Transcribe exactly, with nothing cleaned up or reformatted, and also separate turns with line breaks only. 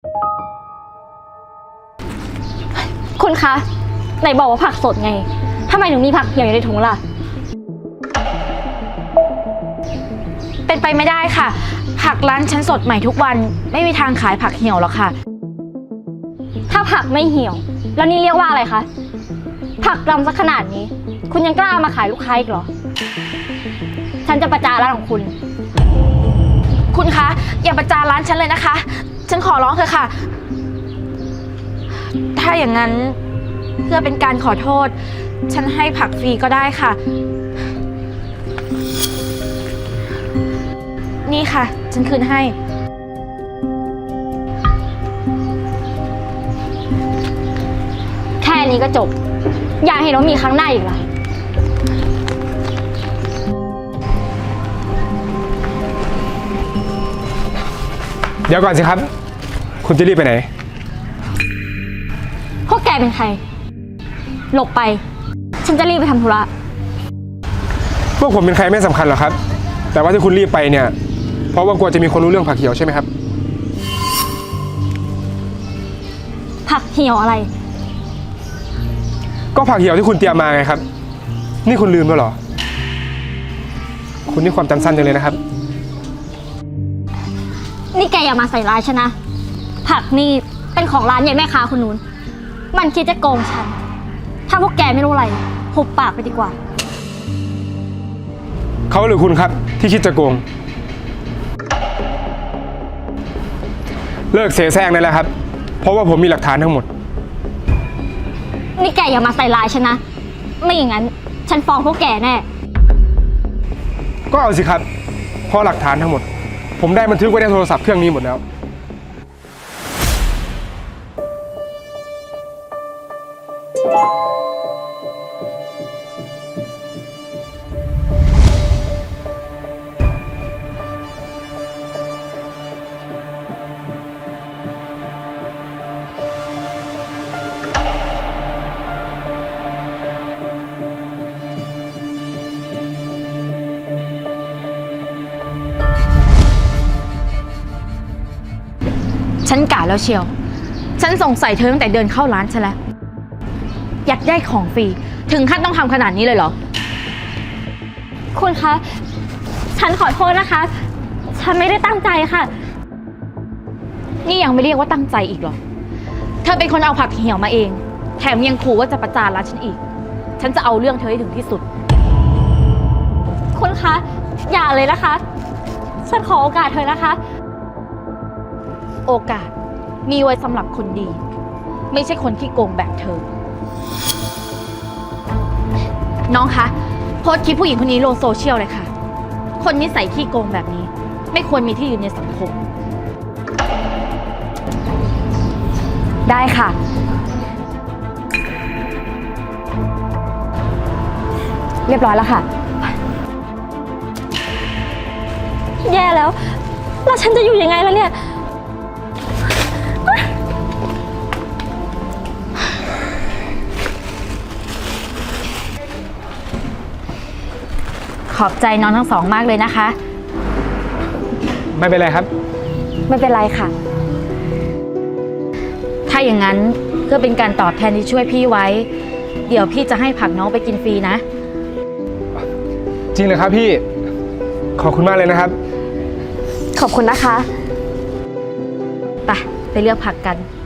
คุณคะไหนบอกว่าผักสดไงทำไมถึงมีผักเหี่ยวอยู่ในถุงล่ะ
เป็นไปไม่ได้ค่ะผักร้านฉันสดใหม่ทุกวันไม่มีทางขายผักเหี่ยวหรอกค่ะ
ถ้าผักไม่เหี่ยวแล้วนี่เรียกว่าอะไรคะผักดำสักขนาดนี้คุณยังกล้ามาขายลูกค้าอีกเหรอฉันจะประจานร้านของคุณ
คุณคะอย่าประจานร้านฉันเลยนะคะฉันขอร้องเถอะค่ะถ้าอย่างนั้นเพื่อเป็นการขอโทษฉันให้ผักฟรีก็ได้ค่ะนี่ค่ะฉันคืนให้
แค่นี้ก็จบอยากเห็นว่ามีครั้งหน้าอีกเหรอ
เดี๋ยวก่อนสิครับคุณจะรีบไปไหน
พวกแกเป็นใครหลบไปฉันจะรีบไปทำธุระ
พวกผมเป็นใครไม่สำคัญหรอกครับแต่ว่าที่คุณรีบไปเนี่ยเพราะว่ากลัวจะมีคนรู้เรื่องผักเหี่ยวใช่ไหมครับ
ผักเหี่ยวอะไร
ก็ผักเหี่ยวที่คุณเตรียมมาไงครับนี่คุณลืมแล้วเหรอคุณนี่ความจำสั้นจังเลยนะครับ
นี่แกอย่ามาใส่ร้ายฉันนะผักนี่เป็นของร้านใหญ่แม่ค้าคนนู้นมันคิดจะโกงฉันถ้าพวกแกไม่รู้อะไรหุบปากไปดีกว่า
เขาหรือคุณครับที่คิดจะโกงเลิกเสแสร้งได้แล้วครับเพราะว่าผมมีหลักฐานทั้งหมด
นี่แกอย่ามาใส่ร้ายฉันนะไม่อย่างนั้นฉันฟ้องพวกแกแน่
ก็เอาสิครับเพราะหลักฐานทั้งหมดผมได้บันทึกไว้ในโทรศัพท์เครื่องนี้หมดแล้ว
ฉันกะแล้วเชียวฉันสงสัยเธอตั้งแต่เดินเข้าร้านฉันแล้วอยากได้ของฟรีถึงขั้นต้องทำขนาดนี้เลยเหรอ
คุณคะฉันขอโทษนะคะฉันไม่ได้ตั้งใจค่ะ
นี่ยังไม่เรียกว่าตั้งใจอีกเหรอเธอเป็นคนเอาผักเหี่ยวมาเองแถมยังขู่ว่าจะประจานร้านฉันอีกฉันจะเอาเรื่องเธอให้ถึงที่สุด
คุณคะอย่าเลยนะคะฉันขอโอกาสเธอนะคะ
โอกาสมีไว้สำหรับคนดีไม่ใช่คนที่โกงแบบเธอน้องคะโพสต์คลิปผู้หญิงคนนี้ลงโซเชียลเลยค่ะคนนิสัยขี้โกงแบบนี้ไม่ควรมีที่ยืนในสังคมได้ค่ะเรียบร้อยแล้วค่ะ
แย่แล้วแล้วฉันจะอยู่ยังไงล่ะเนี่ย
ขอบใจน้องทั้งสองมากเลยนะคะ
ไม่เป็นไรครับ
ไม่เป็นไรค่ะถ้าอย่างนั้นเพื่อเป็นการตอบแทนที่ช่วยพี่ไว้เดี๋ยวพี่จะให้ผักน้องไปกินฟรีนะ
จริงเลยครับพี่ขอบคุณมากเลยนะครับ
ขอบคุณนะคะ
ไปไปเลือกผักกัน